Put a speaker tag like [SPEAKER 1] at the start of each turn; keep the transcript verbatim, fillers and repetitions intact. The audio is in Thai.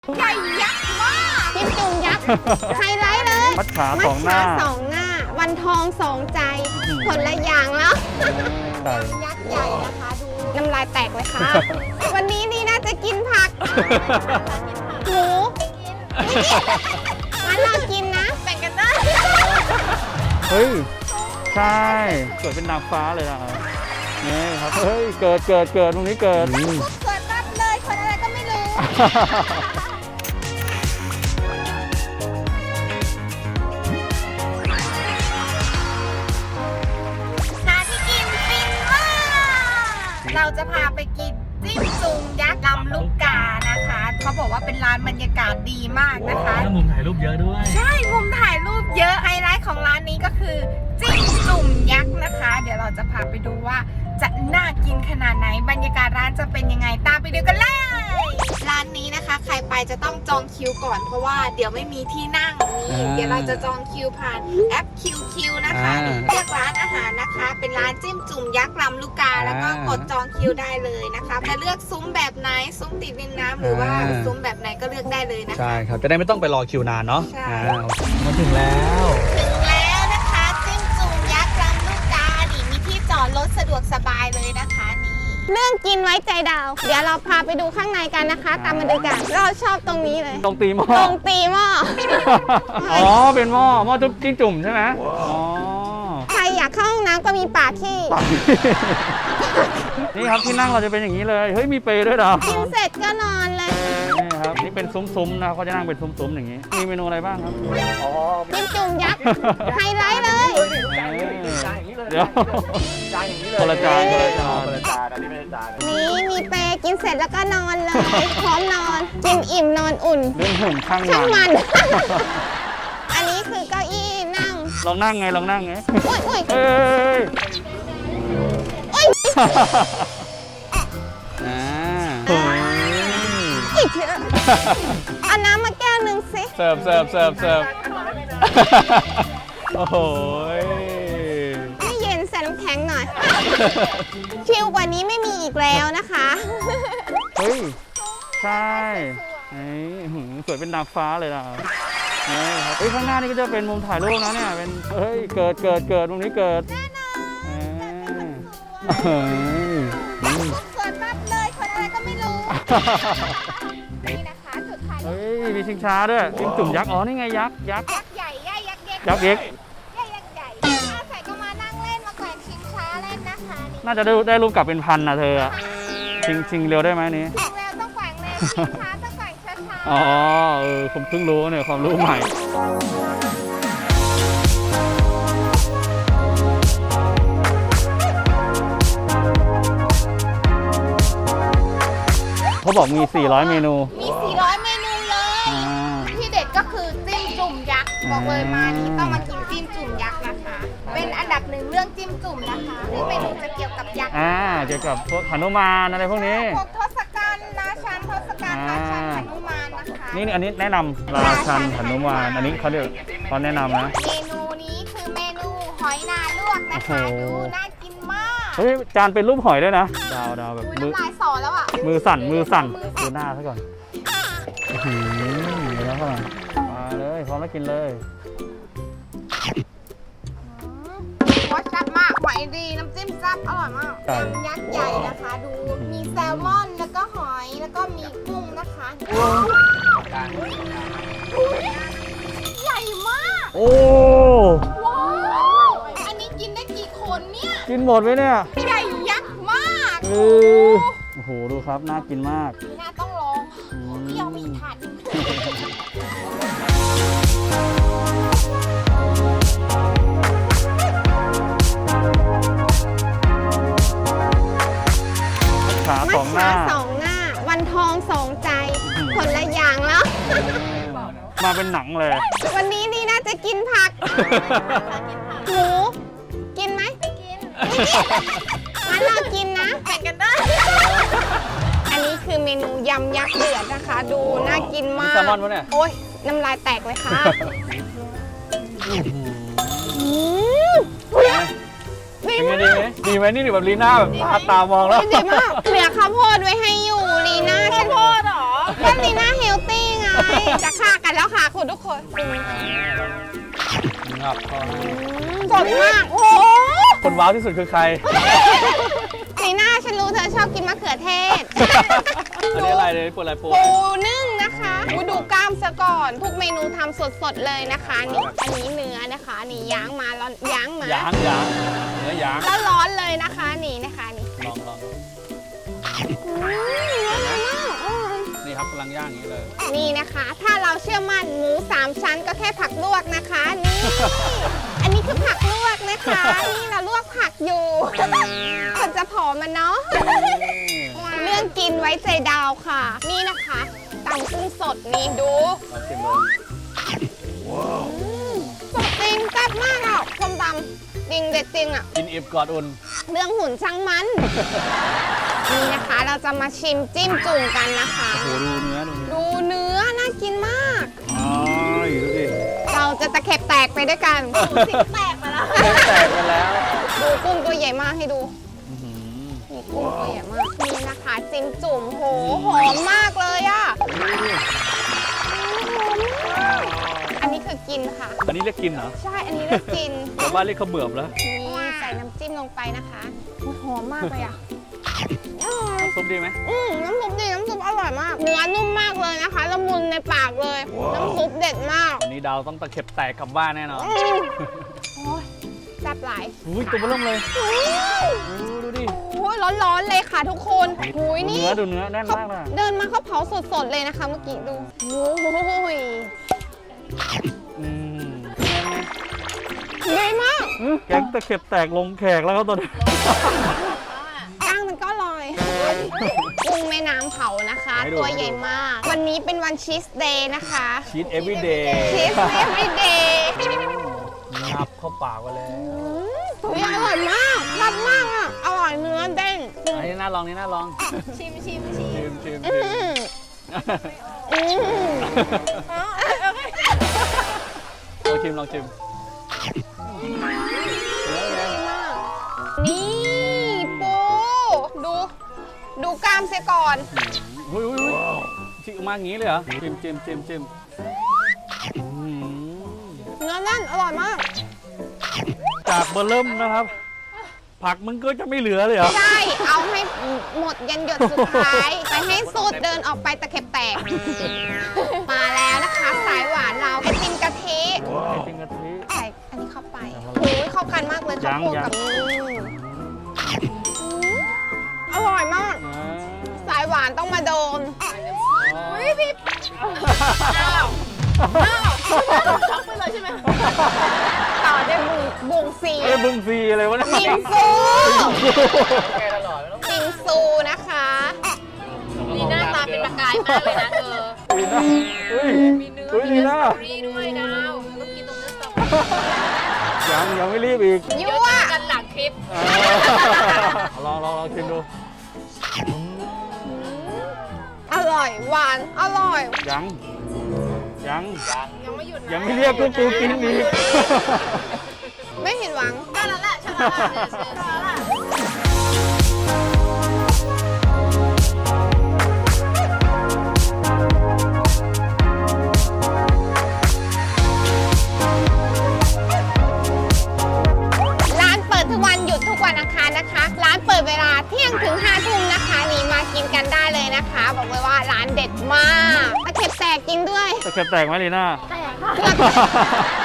[SPEAKER 1] ใหญ่ยักษ์มากจิ้มจุ่มยักษ์ไฮไลท์เลย
[SPEAKER 2] มัดขาสองหน้า
[SPEAKER 1] สองหน้าวันทองสองใจคนละอย่างแล้วยักษ์ใหญ่นะคะดูน้ำลายแตกเลยค่ะ วันนี้นี่น่าจะกินผักหมูงั้นเรากินนะแบ่งกันได้
[SPEAKER 2] เฮ้ยใช่เกิดเป็นนางฟ้าเลยนะนี่ครับเฮ้ยเกิดเกิดเกิดตรงนี้เกิด
[SPEAKER 1] เกิดรับเลยคนอะไรก็ไม่รู้ร้านที่กินฟินมากเราจะพาไปกินจิ้มจุ่มยักษ์ลำลูกกานะคะเขาบอกว่าเป็นร้านบรรยากาศดีมากนะคะ
[SPEAKER 3] มุมถ่ายรูปเยอะด้วย
[SPEAKER 1] ใช่มุมถ่ายรูปเยอะไฮไลท์ของร้านนี้ก็คือจิ้มจุ่มยักษ์นะคะ เดี๋ยวเราจะพาไปดูว่าจะน่ากินขนาดไหนบรรยากาศร้านจะเป็นยังไงตามไปดูกันเลยร้านนี้นะคะใครไปจะต้องจองคิวก่อนเพราะว่าเดี๋ยวไม่มีที่นั่งนี่เดี๋ยวเราจะจองคิวผ่านแอป คิว คิว นะคะเลือกร้านอาหารนะคะเป็นร้านจิ้มจุ่มยักษ์ลำลูกกาแล้วก็กดจองคิวได้เลยนะคะจะเลือกซุ้มแบบไหนซุ้มติดริมน้ำหรือว่าซุ้มแบบไหนก็เลือกได้เลยนะคะ
[SPEAKER 3] ใช่ครับจะได้ไม่ต้องไปรอคิวนานเนาะ
[SPEAKER 1] ใช่
[SPEAKER 3] มาถึงแล้ว
[SPEAKER 1] ถึงแล้วนะคะจิ้มจุ่มยักษ์ลำลูกกาดิมีที่จอดรถสะดวกสบายเลยนะคะนี่เรื่องกินไว้ใจดาวเดี๋ยวเราพาไปดูข้างในกันนะคะตามมาดูกันเราชอบตรงนี้เลย
[SPEAKER 2] ตรงตีหม้อ
[SPEAKER 1] ตรงตีหม้อ
[SPEAKER 2] อ๋อเป็นหม้อหม้อจุ๊บจิ้งจุ่มใช่ไหมอ๋อ
[SPEAKER 1] ใครอยากเข้าห้องน้ำก็มีป่าที่
[SPEAKER 2] นี่ครับที่นั่งเราจะเป็นอย่างนี้เลยเฮ้ยมีเปรย์ด้วยเหรอ
[SPEAKER 1] กินเสร็จก็นอนเลย
[SPEAKER 2] นี่ครับนี่เป็นซุ้มๆนะเขาจะนั่งเป็นซุ้มๆอย่างนี้มีเมนูอะไรบ้างครับ
[SPEAKER 1] จิ้มจุ่มยักษ์ไฮไลท์เลย
[SPEAKER 2] เดี๋ยวคนละจานคนละจาน
[SPEAKER 1] นี่มีเปรย์กินเสร็จแล้วก็นอนเลยพร้อมนอนกินอิ่มนอนอุ่น
[SPEAKER 2] เรื่องหุ่นข้าง
[SPEAKER 1] ช่าง
[SPEAKER 2] มั
[SPEAKER 1] มัน น อันนี้คือเก้าอี้นั่ง
[SPEAKER 2] ลองนั่งไงลองนั่งไง
[SPEAKER 1] อุ้ยอุ้ย
[SPEAKER 2] เอ้ย
[SPEAKER 1] อุ้ย
[SPEAKER 2] อ่า
[SPEAKER 1] อีกเถอะเอาน้ำมาแก้วหนึ่งสิ
[SPEAKER 2] เสิร์ฟเสิร์ฟเสิร์ฟเสิร์ฟโอ้โห
[SPEAKER 1] ให้เย็นใส่น้ำแข็งหน่อย ชิลกว่านี้ไม่มีอีกแล้วนะคะ
[SPEAKER 2] เฮ้ยใช่เฮ้ยหืมสวยเป็นนางฟ้าเลยนะนี่ครับเฮ้ยข้างหน้านี่ก็จะเป็นมุมถ่ายรูปนะเนี่ยเป็นเฮ้ยเกิดเกิดเกิดตรงนี้เกิดเฮ้ย
[SPEAKER 1] เกิดปั๊บเลยคนอะไรก็ไม่รู้ นี่นะคะจุดถ่ายรู
[SPEAKER 2] เฮ้
[SPEAKER 1] ป
[SPEAKER 2] ยมีชิงช้าด้วยจิ้มจุ่มยักษ์อ๋อนี่ไงยักษ์ยักษ์
[SPEAKER 1] ยักษ์ใหญ่ย่ายักษ์เล็ก
[SPEAKER 2] ยักษ์เล็ก
[SPEAKER 1] ย่ายักษ์ใหญ่อาใส่ก็มานั่งเล่นมาแกว่งชิงช้าเล่นนะคะนี่
[SPEAKER 2] น่าจะได้ได้รูปกลับเป็นพันนะเธออะชิงชิงเร็วได้ไหมนี้
[SPEAKER 1] ชิงแล้วต้องแกว่งเร็วชิงช้าต้องแกว่งช้า
[SPEAKER 2] อ๋อเออผมเพิ่งรู้เนี่ยความรู้ใหม่เขาบอกมี สี่ร้อย เมนู
[SPEAKER 1] ๆมี สี่ร้อย เมนูเลย
[SPEAKER 2] อ่า
[SPEAKER 1] ที่เด็ดก็คือจิ้มจุ่มยักษ์บอกเลยมานี้ต้องมากินจิ้มจุ่มยักษ์นะคะ เป็นอันดับหนึ่งเรื่องจิ้มจุ่มนะคะที่เมนูจะเกี่ยวกับยักษ์
[SPEAKER 2] อ่าเกี่ยวกับพวกหนุมานอะไรพวกนี้
[SPEAKER 1] พวกทศกัณฐ์ราชันทศกัณฐ์ราชันหนุมานนะคะ
[SPEAKER 2] นี่นี่อันนี้แนะนำราชันหนุมานอันนี้เขาเรียกเขาแนะนำนะ
[SPEAKER 1] เมนูนี้คือเมนูหอยนาลวกนะคะ
[SPEAKER 2] โอ้
[SPEAKER 1] ดู
[SPEAKER 2] โห
[SPEAKER 1] น่ากินมาก
[SPEAKER 2] เฮ้ยจานเป็นรูปหอยด้วยนะดาวดาวแบบ
[SPEAKER 1] อุ้ย
[SPEAKER 2] มือ
[SPEAKER 1] น้ำลายสอแล้วอ่ะ
[SPEAKER 2] มือสั่นมือสั่นดูหน้าซะก่อนอื้อหือเดี๋ยวแล้วเข้ามามาเลยพร้อมแล้วกินเลย
[SPEAKER 1] รสจัดมากหอยดีน้ำจิ้มแซ่บอร่อยมาก
[SPEAKER 2] ไก่
[SPEAKER 1] ยำยักษ์ใหญ่นะคะ ดูมีแซลมอนแล้วก็หอยแล้วก็มีกุ้งนะคะใหญ่มาก
[SPEAKER 2] โอ้
[SPEAKER 1] ว้าวอันนี้กินได้กี่คนเนี่ย
[SPEAKER 2] กินหมดไหมเนี่ย
[SPEAKER 1] ใหญ่ยักษ์มาก
[SPEAKER 2] เออโอ้โหดูครับน่ากินมาก
[SPEAKER 1] นี่น่าต้องลองเที่ยวมีถาดหนึ่ง
[SPEAKER 2] ขาสองหน้า
[SPEAKER 1] สองหน้าวันทองสองใจคนละอย่างแล้ว
[SPEAKER 2] มาเป็นหนังเลย
[SPEAKER 1] วันนี้นี่น่าจะกินผักหมูกินไหมไม่กินงั้นเรากินนะแบ่งกันได้ อันนี้คือเมนูยำยักษ์เดือดนะคะ ดูน่ากินมาก
[SPEAKER 2] แซลมอนปะเนี่ย
[SPEAKER 1] โอ้ยน้ำลายแตกเลยค่ะอืมดี
[SPEAKER 2] เป็นไง
[SPEAKER 1] มาก
[SPEAKER 2] ดีไหมดีไหมนี่แบบลีน่าแบบตาตามองแล้ว
[SPEAKER 1] ดีมากเหลือข้าวโพดไว้ให้อยู่ลีน่าข้าวโพดหรอก็ลีน่าเฮลตี้ไงเป็นยังไง
[SPEAKER 2] งับก็ให้
[SPEAKER 1] สดมากโอ้โห
[SPEAKER 2] คนว้าวที่สุดคือใคร
[SPEAKER 1] สีหน้าฉันรู้เธอชอบกินมะเขือเทศ
[SPEAKER 2] อันนี้อะไรเลยปวดอะไรปวด
[SPEAKER 1] ปูนึ่งนะคะอูดูกล้ามซะก่อน ทุกเมนูทำสดๆเลยนะคะนี่อันนี้เนื้อนะคะนี่ย่างมาร้อนย่างมาย
[SPEAKER 2] างยางเนื้อยาง
[SPEAKER 1] แล้วร้อนเลยนะคะนี่นะคะนี่
[SPEAKER 2] ลองลอง
[SPEAKER 1] อืมเนื้อดีมากอืม
[SPEAKER 2] นี่ครับกำลังย่างอย่างนี้เลย
[SPEAKER 1] นี่นะคะ ถ้าเราเชื่อมั่นหมูสามชั้นก็แค่ผักลวกนะคะนี่อันนี้คือผักลวกนะคะนี่เราลวกผักอยู่คนจะผอมมันเนาะ เรื่องกินไว้ใจดาวค่ะ นี่นะคะตำกุ้งสดนี่ดู
[SPEAKER 2] ลองชิมเลย
[SPEAKER 1] สดจริงแซ่บมากอ่ะส้มตำจริงเด็ดจริงอ่ะ
[SPEAKER 2] กินอิบกอดอุ่น
[SPEAKER 1] เรื่องหุ่นช่างมัน นี่นะคะเราจะมาชิมจิ้มจุ่มกันนะคะ
[SPEAKER 2] โอ้โหดูเนื้อดูเนื้อ
[SPEAKER 1] ดูเนื้อน่ากินมาก
[SPEAKER 2] อ๋อดูดิ
[SPEAKER 1] เราจะตะเข็บแตกไปด้วยกันสิแตกมาแล้ว
[SPEAKER 2] แตกไปแล้ว
[SPEAKER 1] ดูกุ้งตัวใหญ่มากให้ดู
[SPEAKER 2] อื้อหือ
[SPEAKER 1] นี่กุ้งตัวใหญ่มากนี่นะคะจิ้มจุ่มโหหอมมากเลยอ่ะอันนี้คือกินค่ะ
[SPEAKER 2] อันนี้เรียกกินเหรอ
[SPEAKER 1] ใช่ อันนี้เรียกกิน
[SPEAKER 2] แต่บ้านเรียกข้าวเบื่อมแล้ว
[SPEAKER 1] นี่ใส่น้ำจิ้มลงไปนะคะโอ้ยหอมมากเลยอ่ะอืม
[SPEAKER 2] ซุปดีไหม
[SPEAKER 1] อืมน้ำซุปดีน้ำซุปอร่อยมาก เนื้อนุ่มมากเลยนะคะละมุนในปากเลย น้ำซุปเด็ดมาก
[SPEAKER 2] วันนี้ดาวต้องตะเข็บแตกกลับบ้านแน่นอน
[SPEAKER 1] อืมโอ้ยแซ่บหลาย
[SPEAKER 2] อุ้ยตัวเบอเริ่มเลย
[SPEAKER 1] อืม
[SPEAKER 2] โอ้ดูดิ
[SPEAKER 1] โอ้ยร้อนๆเลยค่ะทุกคนหุยนี่
[SPEAKER 2] เนื้อดูเนื้อแน่น
[SPEAKER 1] เขา
[SPEAKER 2] มากเลย
[SPEAKER 1] เดินมาเขาเผาสดๆเลยนะคะเมื่อกี้ดูโอ้ย
[SPEAKER 2] อืม
[SPEAKER 1] ดีมาก
[SPEAKER 2] อื้อแกงตะเข็บแตกลงแขกแล้วครับตอนนี้
[SPEAKER 1] ก้างมันก็อร่อยกุ้งแม่น้ำเผานะคะ ตัวใหญ่มาก วันนี้เป็นวันชีสเดย์นะคะ
[SPEAKER 2] ชีสเอฟวีเดย์
[SPEAKER 1] ชีสเอฟวีเดย์
[SPEAKER 2] งับเข้าปากไปแล้ว
[SPEAKER 1] อุ้ยอร่อยมากรับมากอ่ะ อร่อยเนื้อเด้ง
[SPEAKER 2] อันนี้น่าลองนี่น่าลอง
[SPEAKER 1] ชิมชิมชิ
[SPEAKER 2] ชิมชิม
[SPEAKER 1] อื
[SPEAKER 2] ชิม
[SPEAKER 1] มอืม
[SPEAKER 2] ลองชิมลองชิม
[SPEAKER 1] นี่ปูดู ดูกล้ามเสียก่อน
[SPEAKER 2] อุ้ยอุ้ยอุ้ยชิมมาอย่างนี้เลยเหรอชิมชิมชิมชิมอื้อหือ
[SPEAKER 1] เนื้อแน่นอร่อยมาก
[SPEAKER 2] จากเบอร์เริ่มนะครับ ผักมึงก็จะไม่เหลือเลยเหรอ
[SPEAKER 1] ใช่ เอาให้หมดยันหยดสุดท้าย ไปให้สุดเดินออกไปตะเข็บแตก มาแล้วนะคะสายหวานเราไอติมกะทิ
[SPEAKER 2] ไอติมกะทิ
[SPEAKER 1] ใส่อันนี้เข้าไปโอ้ยเข้ากันมากเลยข้าวโพด
[SPEAKER 2] ยัง
[SPEAKER 1] กับนี่อร่อยมาก
[SPEAKER 2] อ่า
[SPEAKER 1] สายหวานต้องมาโดน
[SPEAKER 2] อุ้ยพี่
[SPEAKER 1] อ้าวอ้าวช็อกไปเลยใช่ไหมต่อด้วยบุงบุงซี
[SPEAKER 2] เอ้ยบึงซีอะไรวะเนี่ย
[SPEAKER 1] บิงซูบิงซูนะคะ
[SPEAKER 4] ลีน่าตาเป็นประกายมากเลยนะเธอ
[SPEAKER 2] ลีน่าเฮ้ย
[SPEAKER 4] มีเนื้อ
[SPEAKER 2] เฮ้ย
[SPEAKER 4] มี
[SPEAKER 2] ลี
[SPEAKER 4] เนื้อ
[SPEAKER 2] น่า
[SPEAKER 4] สตรอเบอรี่ด้วยดาวก็กินตรงเนื้อสตรอเบอรี่
[SPEAKER 2] ยังยังไม่รีบอีก
[SPEAKER 4] เดี๋
[SPEAKER 1] ยั่
[SPEAKER 4] ยว
[SPEAKER 1] ว
[SPEAKER 4] เจอกันหลังคลิป
[SPEAKER 2] ลองลองลองชิมดู
[SPEAKER 1] อร่อยหวานอร่อย
[SPEAKER 2] ยังยัง
[SPEAKER 4] ยังไม่หยุดนะ
[SPEAKER 2] ยังไม่เรียกกูกูกินอีก
[SPEAKER 1] ไม่ผิดหวัง
[SPEAKER 4] ได้แล้วแหละใช่แล้วแหละใช่แล้วแหละ
[SPEAKER 1] ร้านเปิดทุกวันหยุดทุกวันอังคารนะคะ ร้านเปิดเวลาเที่ยงถึงห้าทุ่มนะคะนี่มากินกันได้เลยนะคะ บอกเลยว่าร้านเด็ดมากตะเข็บแตกจริงด้วย
[SPEAKER 2] ตะเข็บแตกไหมลีน่า
[SPEAKER 1] เกือบ